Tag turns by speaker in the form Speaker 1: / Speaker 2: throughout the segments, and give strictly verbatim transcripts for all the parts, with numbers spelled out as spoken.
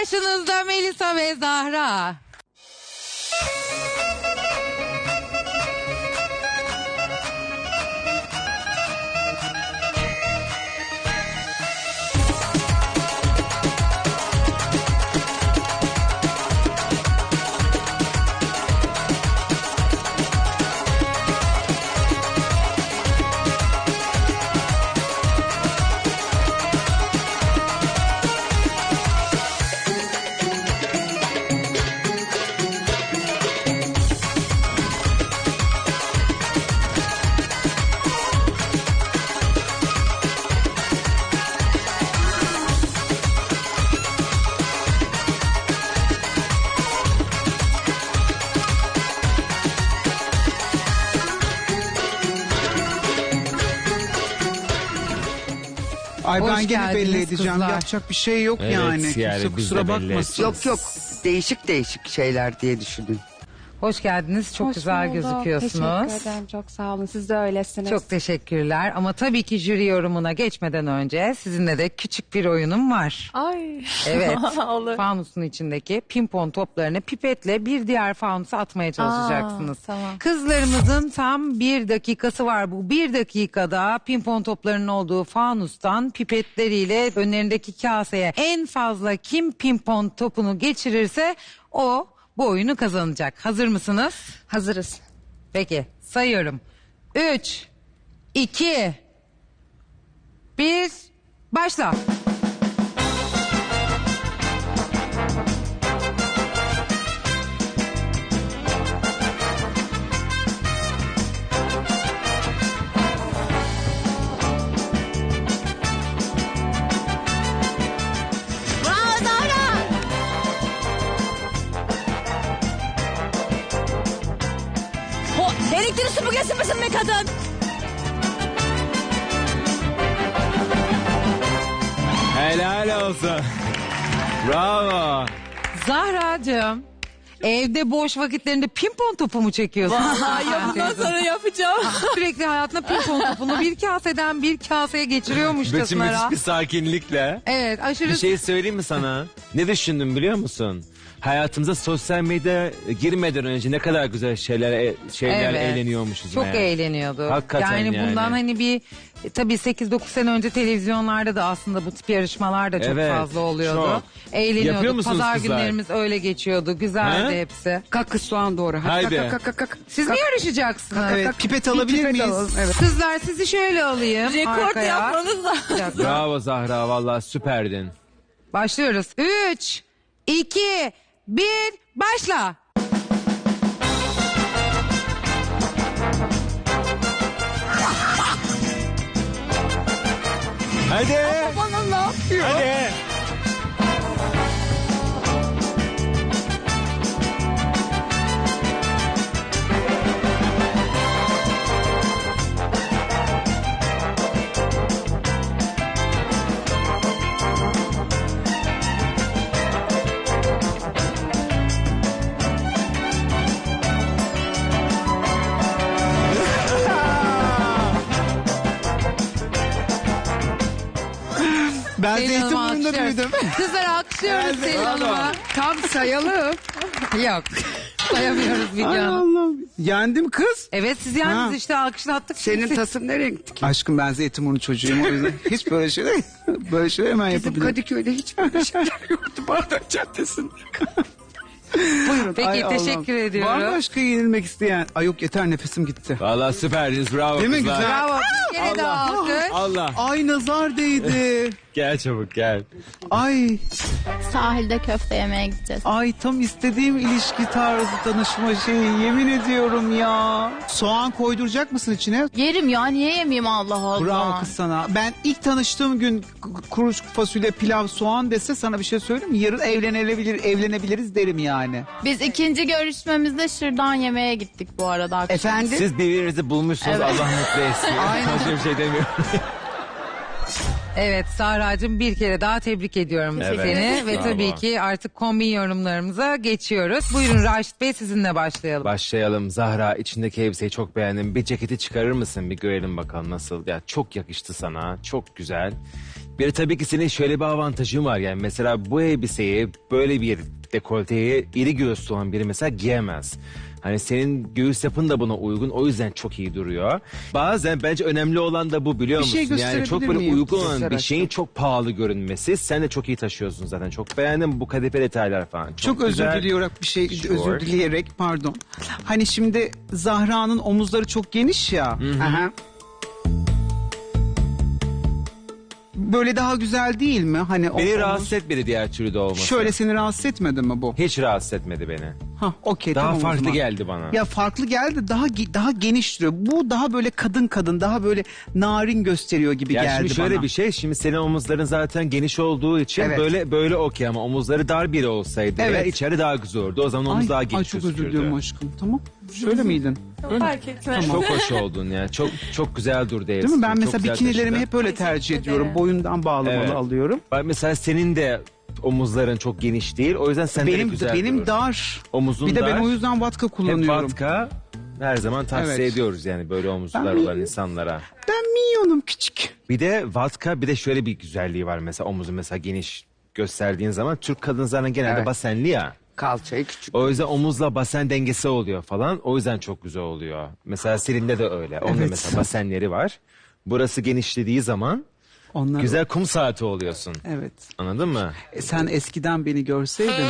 Speaker 1: Karşınızda Melisa ve Zahra.
Speaker 2: Ay
Speaker 1: Hoş
Speaker 2: ben gene
Speaker 1: geldiniz
Speaker 2: belli edeceğim.
Speaker 1: kızlar.
Speaker 2: Yapacak bir şey yok
Speaker 3: Evet,
Speaker 2: yani.
Speaker 3: yani
Speaker 2: Kimse
Speaker 3: biz de
Speaker 2: kusura
Speaker 3: belli
Speaker 2: bakmasın.
Speaker 4: Yok yok, değişik değişik şeyler diye düşündüm.
Speaker 1: Hoş geldiniz. Çok
Speaker 5: Hoş
Speaker 1: güzel
Speaker 5: bulduk.
Speaker 1: gözüküyorsunuz.
Speaker 5: Teşekkür ederim. Çok sağ olun. Siz de öylesiniz.
Speaker 1: Çok teşekkürler. Ama tabii ki jüri yorumuna geçmeden önce sizinle de küçük bir oyunum var.
Speaker 5: Ay.
Speaker 1: Evet.
Speaker 5: Olur.
Speaker 1: Fanusun içindeki pimpon toplarını pipetle bir diğer fanusa atmaya çalışacaksınız.
Speaker 5: Aa, tamam.
Speaker 1: Kızlarımızın tam bir dakikası var. Bu bir dakikada pimpon toplarının olduğu fanustan pipetleriyle önlerindeki kaseye en fazla kim pimpon topunu geçirirse o bu oyunu kazanacak. Hazır mısınız?
Speaker 5: Hazırız.
Speaker 1: Peki sayıyorum. Üç, iki, bir, başla.
Speaker 6: Elektrik süpürgesi misin be kadın?
Speaker 3: Helal olsun. Bravo.
Speaker 1: Zahra'cığım, evde boş vakitlerinde pimpon topu mu çekiyorsun?
Speaker 6: Vallahi ya, bundan sonra yapacağım.
Speaker 1: Sürekli hayatında pimpon topunu bir kaseden bir kaseye
Speaker 3: Bütün
Speaker 1: geçiriyormuşçasına.
Speaker 3: müthiş bir sakinlikle.
Speaker 1: Evet, aşırı...
Speaker 3: Bir şey söyleyeyim mi sana? Ne düşündüm biliyor musun? Hayatımıza sosyal medya girmeden önce ne kadar güzel şeyler şeyler
Speaker 1: Evet.
Speaker 3: eğleniyormuşuz.
Speaker 1: Çok
Speaker 3: meğer.
Speaker 1: eğleniyordu.
Speaker 3: Hakikaten
Speaker 1: yani.
Speaker 3: yani.
Speaker 1: bundan hani bir e, tabii sekiz dokuz sene önce televizyonlarda da aslında bu tip yarışmalar da çok
Speaker 3: Evet,
Speaker 1: fazla oluyordu.
Speaker 3: çok.
Speaker 1: Eğleniyorduk.
Speaker 3: Yapıyor musunuz
Speaker 1: Pazar
Speaker 3: kızlar?
Speaker 1: günlerimiz öyle geçiyordu. Güzeldi
Speaker 3: Ha?
Speaker 1: hepsi.
Speaker 4: Kalk kız soğan doğru. Hadi,
Speaker 3: Haydi.
Speaker 4: Kalk, kalk, kalk, kalk.
Speaker 1: Siz mi yarışacaksınız?
Speaker 2: Evet, pipet alabilir
Speaker 4: Pipet
Speaker 2: miyiz?
Speaker 4: alalım, evet.
Speaker 1: Kızlar sizi şöyle alayım
Speaker 6: Rekord
Speaker 1: arkaya.
Speaker 6: yapmanız lazım.
Speaker 1: Bir dakika.
Speaker 3: Bravo Zahra, vallahi süperdin.
Speaker 1: Başlıyoruz. Üç, iki, bir, başla.
Speaker 3: Hadi.
Speaker 6: Bana ne yapıyor?
Speaker 3: Hadi.
Speaker 2: Ben
Speaker 1: Selin Hanım'ı
Speaker 2: Zeytinburnu'nda
Speaker 1: alkışlıyoruz.
Speaker 2: büyüdüm.
Speaker 1: Kızlar alkışlıyoruz Selin
Speaker 3: bravo.
Speaker 1: Hanım'a.
Speaker 4: Tam sayalım.
Speaker 1: Yok. Sayamıyoruz
Speaker 2: Ay
Speaker 1: videonu.
Speaker 2: Allah'ım. Yendim kız.
Speaker 1: Evet siz yalnız
Speaker 2: Ha.
Speaker 1: işte alkışlattık.
Speaker 4: Senin
Speaker 1: sizi.
Speaker 4: tasın nereye gitti ki?
Speaker 2: Aşkım ben Zeytinburnu çocuğuyum o yüzden hiç böyle şeyler böyle şeyler hemen
Speaker 4: Bizim
Speaker 2: yapabilirim.
Speaker 4: Kadıköy'de hiç böyle şeyler yoktu. Bağdat Caddesi'nde. Buyurun.
Speaker 1: Peki
Speaker 2: Ay
Speaker 1: teşekkür
Speaker 2: Allah'ım.
Speaker 1: ediyorum.
Speaker 2: Var mı başka yenilmek isteyen? Ay yok yeter nefesim gitti.
Speaker 3: Vallahi süperdiniz, bravo
Speaker 2: Değil mi
Speaker 3: kızlar.
Speaker 2: güzel?
Speaker 1: Bravo. Bir kere daha alkış.
Speaker 3: Allah.
Speaker 2: Ay nazar değdi.
Speaker 3: Gel çabuk gel.
Speaker 2: Ay
Speaker 7: Sahilde köfte yemeye gideceğiz.
Speaker 2: ay tam istediğim ilişki tarzı tanışma şeyi yemin ediyorum ya. Soğan koyduracak mısın içine?
Speaker 7: Yerim ya, niye yemeyeyim, Allah Allah.
Speaker 2: Bravo kız sana. Ben ilk tanıştığım gün k- kuru fasulye, pilav, soğan dese sana bir şey söyleyeyim mi? Yarın evlenebilir, evlenebiliriz derim yani.
Speaker 7: Biz ikinci görüşmemizde şırdan yemeye gittik bu arada akşam.
Speaker 4: Efendim?
Speaker 3: Siz birbirinizi bulmuşsunuz,
Speaker 7: Evet.
Speaker 3: Allah mutlu etsin. Başka bir şey demiyorum.
Speaker 1: Evet Sahra'cığım bir kere daha tebrik ediyorum
Speaker 3: Evet.
Speaker 1: seni. Ve
Speaker 3: Bravo.
Speaker 1: tabii ki artık kombin yorumlarımıza geçiyoruz. Buyurun Raşit Bey sizinle başlayalım.
Speaker 3: Başlayalım. Zahra, içindeki elbiseyi çok beğendim. Bir ceketi çıkarır mısın? Bir görelim bakalım nasıl. Ya çok yakıştı sana. Çok güzel. Bir de tabii ki senin şöyle bir avantajın var yani mesela bu elbiseyi böyle bir dekolteye iri göğüslü olan biri mesela giyemez. Hani senin göğüs yapın da buna uygun o yüzden çok iyi duruyor. Bazen bence önemli olan da bu biliyor
Speaker 2: Bir şey
Speaker 3: musun? Yani çok
Speaker 2: gösterebilir
Speaker 3: böyle
Speaker 2: miyim?
Speaker 3: uygun olan
Speaker 2: Göster
Speaker 3: bir
Speaker 2: aşkım.
Speaker 3: şeyin çok pahalı görünmesi. Sen de çok iyi taşıyorsun zaten. Çok beğendim bu kadife detaylar falan. Çok,
Speaker 2: Çok özür
Speaker 3: güzel.
Speaker 2: dileyerek bir şey
Speaker 3: Sure.
Speaker 2: özür dileyerek pardon. Hani şimdi Zahra'nın omuzları çok geniş ya. Aha. Böyle daha güzel değil mi? Hani o
Speaker 3: Beni
Speaker 2: omuz-
Speaker 3: rahatsız etmedi diğer türlü de olması.
Speaker 2: Şöyle seni rahatsız etmedi mi bu?
Speaker 3: Hiç rahatsız etmedi beni.
Speaker 2: Ha, okey
Speaker 3: Daha
Speaker 2: tamam o
Speaker 3: farklı
Speaker 2: zaman.
Speaker 3: geldi bana.
Speaker 2: Ya farklı geldi daha ge- daha geniş duruyor. Bu daha böyle kadın kadın daha böyle narin gösteriyor gibi
Speaker 3: Ya
Speaker 2: geldi
Speaker 3: şimdi şöyle
Speaker 2: bana.
Speaker 3: bir şey, şimdi senin omuzların zaten geniş olduğu için
Speaker 2: Evet.
Speaker 3: böyle böyle okey ama omuzları dar biri olsaydı
Speaker 2: Evet.
Speaker 3: ya içeri daha güzel olurdu. O zaman omuz
Speaker 2: Ay,
Speaker 3: daha
Speaker 2: ay
Speaker 3: geniş
Speaker 2: çok özür
Speaker 3: gözükürdü.
Speaker 2: diliyorum aşkım. Tamam. Şöyle miydin?
Speaker 6: Fark etmez.
Speaker 3: Çok hoş oldun ya. Çok çok güzel durdu
Speaker 2: Değil mi? Ben
Speaker 3: Çok
Speaker 2: mesela
Speaker 3: güzel
Speaker 2: bikinilerimi
Speaker 3: taşıdın.
Speaker 2: hep öyle tercih
Speaker 6: ederim.
Speaker 2: ediyorum. Boyundan bağlamalı
Speaker 3: Evet.
Speaker 2: alıyorum.
Speaker 3: Bak mesela senin de omuzların çok geniş değil. O yüzden sen de
Speaker 2: Benim
Speaker 3: güzel
Speaker 2: benim
Speaker 3: durur.
Speaker 2: dar.
Speaker 3: Omuzun
Speaker 2: Bir de
Speaker 3: dar.
Speaker 2: ben o yüzden vatka
Speaker 3: Hep
Speaker 2: kullanıyorum.
Speaker 3: vatka her zaman tavsiye
Speaker 2: Evet.
Speaker 3: ediyoruz yani böyle omuzlar
Speaker 2: Ben-
Speaker 3: olan insanlara.
Speaker 2: Ben minyonum küçük.
Speaker 3: Bir de vatka bir de şöyle bir güzelliği var mesela omuzu mesela geniş gösterdiğin zaman Türk kadınlarına genelde
Speaker 8: Evet.
Speaker 3: basenli ya.
Speaker 8: Kalçayı küçük.
Speaker 3: O yüzden omuzla basen dengesi oluyor falan. O yüzden çok güzel oluyor. Mesela Selin'de de öyle. Onun da
Speaker 2: Evet.
Speaker 3: mesela basenleri var. Burası genişlediği zaman
Speaker 2: Onlar
Speaker 3: güzel kum saati oluyorsun.
Speaker 2: Evet.
Speaker 3: Anladın mı?
Speaker 2: E, sen eskiden beni görseydin.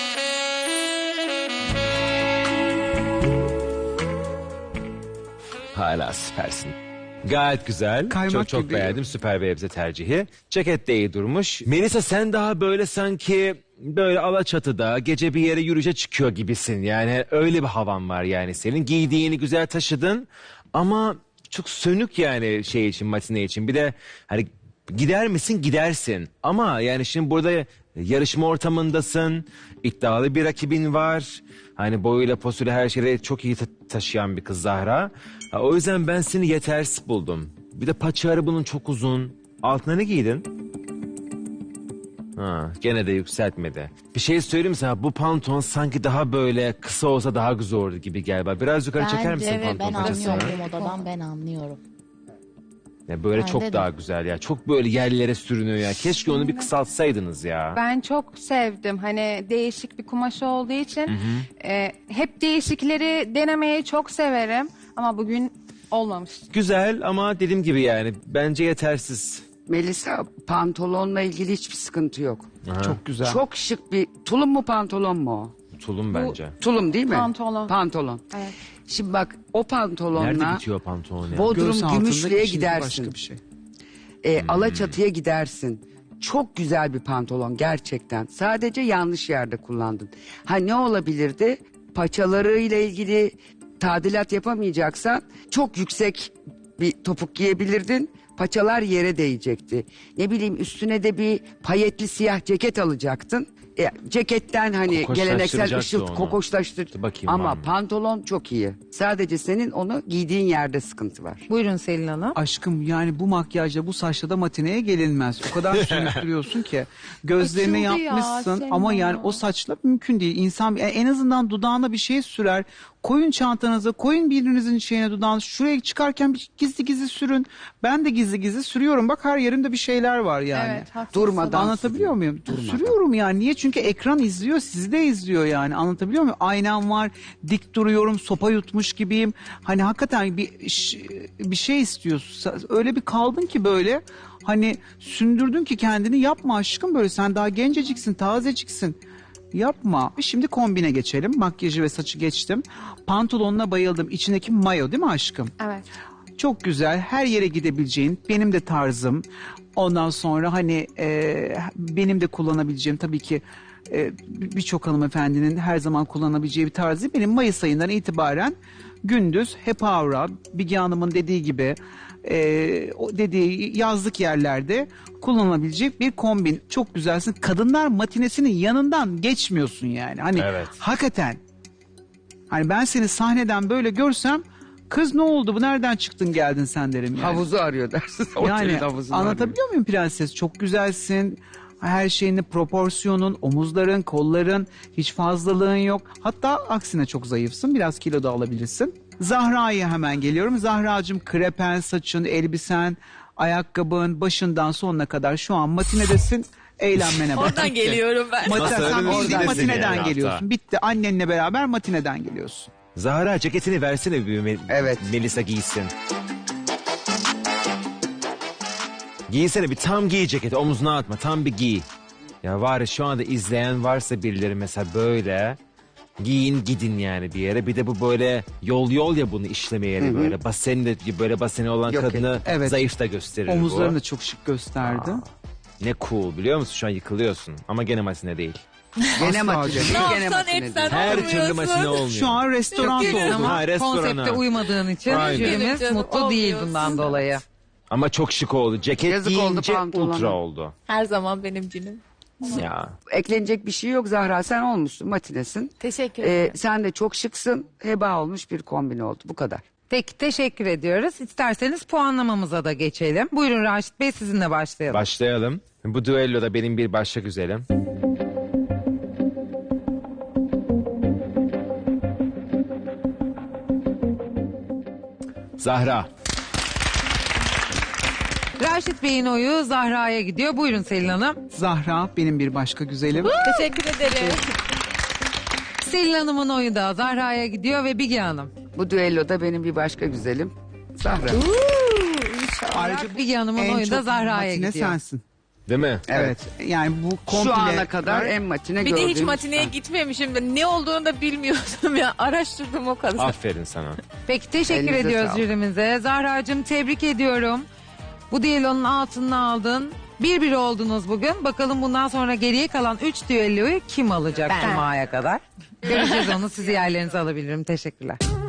Speaker 3: Hala süpersin. Gayet güzel.
Speaker 2: Kaymak
Speaker 3: çok çok
Speaker 2: gibi.
Speaker 3: beğendim. Süper bir elbise tercihi. Ceket de iyi durmuş. Melisa sen daha böyle sanki böyle Alaçatı'da gece bir yere yürüyüşe çıkıyor gibisin. Yani öyle bir havan var yani. Senin giydiğini güzel taşıdın ama çok sönük yani şey için matine için. Bir de hani gider misin gidersin ama yani şimdi burada yarışma ortamındasın. İddialı bir rakibin var. Hani boyuyla posuyla her şeyi çok iyi ta- taşıyan bir kız Zahra. Ha, o yüzden ben seni yetersiz buldum. Bir de paçaları bunun çok uzun. Altına ne giydin? Ha, gene de yükseltmedi. Bir şey söyleyeyim mi sana? Bu pantolon sanki daha böyle kısa olsa daha güzel olurdu gibi galiba. Biraz yukarı çeker misin
Speaker 9: Bence ve
Speaker 3: pantolon
Speaker 9: ben
Speaker 3: paçasını?
Speaker 9: anlıyorum bu modadan ben anlıyorum.
Speaker 3: Ya böyle
Speaker 9: Bence
Speaker 3: çok
Speaker 9: de.
Speaker 3: daha güzel ya. Çok böyle yerlere sürünüyor ya. Keşke onu bir kısaltsaydınız ya.
Speaker 5: Ben çok sevdim. Hani değişik bir kumaş olduğu için e, hep değişikleri denemeyi çok severim. Ama bugün olmamış.
Speaker 3: Güzel ama dediğim gibi yani bence yetersiz.
Speaker 8: Melisa pantolonla ilgili hiçbir sıkıntı yok.
Speaker 2: Çok güzel.
Speaker 8: Çok şık bir tulum mu pantolon mu o?
Speaker 3: Tulum bence.
Speaker 8: Tulum değil mi?
Speaker 5: Pantolon.
Speaker 8: Pantolon.
Speaker 5: Evet.
Speaker 8: Şimdi bak o pantolonla
Speaker 3: Nerede bitiyor pantolon ya?
Speaker 8: Bodrum
Speaker 2: Göğüs altındaki
Speaker 8: Gümüşlü'ye
Speaker 2: şimdi
Speaker 8: gidersin.
Speaker 2: Başka bir şey.
Speaker 8: E,
Speaker 3: Hmm.
Speaker 8: Alaçatı'ya gidersin. Çok güzel bir pantolon gerçekten. Sadece yanlış yerde kullandın. Ha ne olabilirdi? Paçalarıyla ilgili tadilat yapamayacaksan çok yüksek bir topuk giyebilirdin. Paçalar yere değecekti. Ne bileyim üstüne de bir payetli siyah ceket alacaktın. E, ceketten hani geleneksel
Speaker 3: Kokoşlaştıracaktı
Speaker 8: ışıltı
Speaker 3: onu.
Speaker 8: kokoşlaştır.
Speaker 3: Dur bakayım var
Speaker 8: Ama
Speaker 3: mı?
Speaker 8: pantolon çok iyi. Sadece senin onu giydiğin yerde sıkıntı var.
Speaker 1: Buyurun Selin Hanım.
Speaker 2: Aşkım yani bu makyajla bu saçla da matineye gelinmez. O kadar sürüktürüyorsun ki. Gözlerini
Speaker 7: Açıldı ya,
Speaker 2: yapmışsın
Speaker 7: Selin
Speaker 2: ama yani
Speaker 7: Hanım.
Speaker 2: o saçla mümkün değil. İnsan yani en azından dudağına bir şey sürer. Koyun çantanıza, koyun birinizin şeyine dudağınızı. Şuraya çıkarken bir gizli gizli sürün. Ben de gizli gizli sürüyorum. Bak her yerimde bir şeyler var yani.
Speaker 5: Evet, haklısın.
Speaker 8: Durmadan
Speaker 2: Anlatabiliyor muyum?
Speaker 8: Durmadan.
Speaker 2: Sürüyorum yani. Niye? Çünkü ekran izliyor, sizi de izliyor yani. Anlatabiliyor muyum? Aynam var, dik duruyorum, sopa yutmuş gibiyim. Hani hakikaten bir ş- bir şey istiyorsun. Öyle bir kaldın ki böyle. Hani sündürdün ki kendini yapma aşkım böyle. Sen daha genceciksin, tazeciksin. Yapma. Şimdi kombine geçelim. Makyajı ve saçı geçtim. Pantolonuna bayıldım. İçindeki mayo değil mi aşkım?
Speaker 5: Evet.
Speaker 2: Çok güzel. Her yere gidebileceğin, benim de tarzım. Ondan sonra hani e, benim de kullanabileceğim tabii ki e, birçok hanımefendinin her zaman kullanabileceği bir tarzı. Benim Mayıs ayından itibaren gündüz hep avra, Bigi Hanım'ın dediği gibi e, o dediği yazlık yerlerde kullanılabilecek bir kombin. Çok güzelsin. Kadınlar matinesinin yanından geçmiyorsun yani. Hani
Speaker 3: Evet.
Speaker 2: hakikaten. Hani ben seni sahneden böyle görsem kız ne oldu bu nereden çıktın geldin sen derim yani.
Speaker 8: Havuzu arıyor dersin. Otelin
Speaker 2: Yani
Speaker 8: havuzunu
Speaker 2: anlatabiliyor muyum prenses? Çok güzelsin. Her şeyini, proporsiyonun, omuzların, kolların hiç fazlalığın yok. Hatta aksine çok zayıfsın. Biraz kilo da alabilirsin. Zahra'ya hemen geliyorum. Zahra'cığım krepen saçın, elbisen Ayakkabın başından sonuna kadar şu an matinedesin. Eğlenmene bak.
Speaker 6: Oradan
Speaker 2: Bitti.
Speaker 6: geliyorum ben.
Speaker 2: Mati-
Speaker 3: Nasıl
Speaker 2: sen
Speaker 3: öyle bir
Speaker 2: bildiğin
Speaker 3: oradan
Speaker 2: matineden
Speaker 3: yani
Speaker 2: geliyorsun.
Speaker 3: hatta.
Speaker 2: Bitti. Annenle beraber matineden geliyorsun.
Speaker 3: Zahra ceketini versene bir Mel-
Speaker 8: Evet.
Speaker 3: Melisa giysin. Giysene bir tam giy ceketi omzuna atma tam bir giy. Ya var ya şu anda izleyen varsa birileri mesela böyle giyin gidin yani bir yere. Bir de bu böyle yol yol ya bunu işleme yeri böyle. Baseni de böyle baseni olan
Speaker 8: Yok,
Speaker 3: kadını
Speaker 2: evet.
Speaker 3: zayıf da gösterir
Speaker 2: Omuzlarını
Speaker 3: bu.
Speaker 2: da çok şık gösterdi.
Speaker 3: Ne cool biliyor musun şu an yıkılıyorsun ama gene matine değil.
Speaker 8: Gene
Speaker 2: Asla
Speaker 8: matine.
Speaker 2: canım.
Speaker 6: Ne
Speaker 8: Gene
Speaker 6: yapsan
Speaker 8: matine.
Speaker 6: etsen
Speaker 3: Her
Speaker 6: olmuyorsun.
Speaker 3: türlü matine olmuyor.
Speaker 2: Şu an restoran
Speaker 1: Çok güzel
Speaker 2: oldu.
Speaker 1: ama
Speaker 3: Ha, restorana.
Speaker 1: konsepte uymadığın için
Speaker 3: Aynen.
Speaker 1: jürimiz
Speaker 6: Canım,
Speaker 1: mutlu değil
Speaker 6: olmuyorsun.
Speaker 1: bundan dolayı.
Speaker 3: Ama çok şık oldu. Ceket
Speaker 8: Yazık oldu
Speaker 3: giyince
Speaker 8: pantolona.
Speaker 3: ultra oldu.
Speaker 6: Her zaman benim cinim.
Speaker 3: Ya.
Speaker 8: Eklenecek bir şey yok Zahra, sen olmuşsun, matinesin.
Speaker 6: Teşekkür
Speaker 8: Ee,
Speaker 6: ederim.
Speaker 8: sen de çok şıksın, heba olmuş bir kombin oldu, bu kadar.
Speaker 1: Peki teşekkür ediyoruz. İsterseniz puanlamamıza da geçelim. Buyurun Raşit Bey sizinle başlayalım.
Speaker 3: Başlayalım. Bu düelloda benim bir başka güzelim. Zahra.
Speaker 1: Raşit Bey'in oyu Zahra'ya gidiyor. Buyurun Selin Hanım.
Speaker 2: Zahra benim bir başka güzelim.
Speaker 6: Teşekkür ederim.
Speaker 1: Selin Hanım'ın oyu da Zahra'ya gidiyor ve Bilge Hanım.
Speaker 8: Bu düelloda benim bir başka güzelim Zahra.
Speaker 2: Ayrıca
Speaker 1: Bilge Hanım'ın
Speaker 2: en
Speaker 1: oyu da
Speaker 2: çok
Speaker 1: Zahra'ya
Speaker 2: matine
Speaker 1: gidiyor.
Speaker 2: sensin.
Speaker 3: Değil mi?
Speaker 2: Evet. Yani bu komple...
Speaker 8: Şu ana kadar en matine
Speaker 6: Bir de hiç
Speaker 8: gördüğüm
Speaker 6: matineye
Speaker 8: insan.
Speaker 6: gitmemişim. Ben ne olduğunu da bilmiyordum ya. Araştırdım o kadar.
Speaker 3: Aferin sana.
Speaker 1: Peki teşekkür
Speaker 8: Elinize
Speaker 1: ediyoruz
Speaker 8: sağlık.
Speaker 1: jürimize. Zahra'cığım tebrik ediyorum. Bu düellonun altını aldın. Bir bir oldunuz bugün. Bakalım bundan sonra geriye kalan üç düelloyu kim alacak
Speaker 6: Ben.
Speaker 1: Cuma'ya kadar? Göreceğiz onu. Sizi yerlerinize alabilirim. Teşekkürler.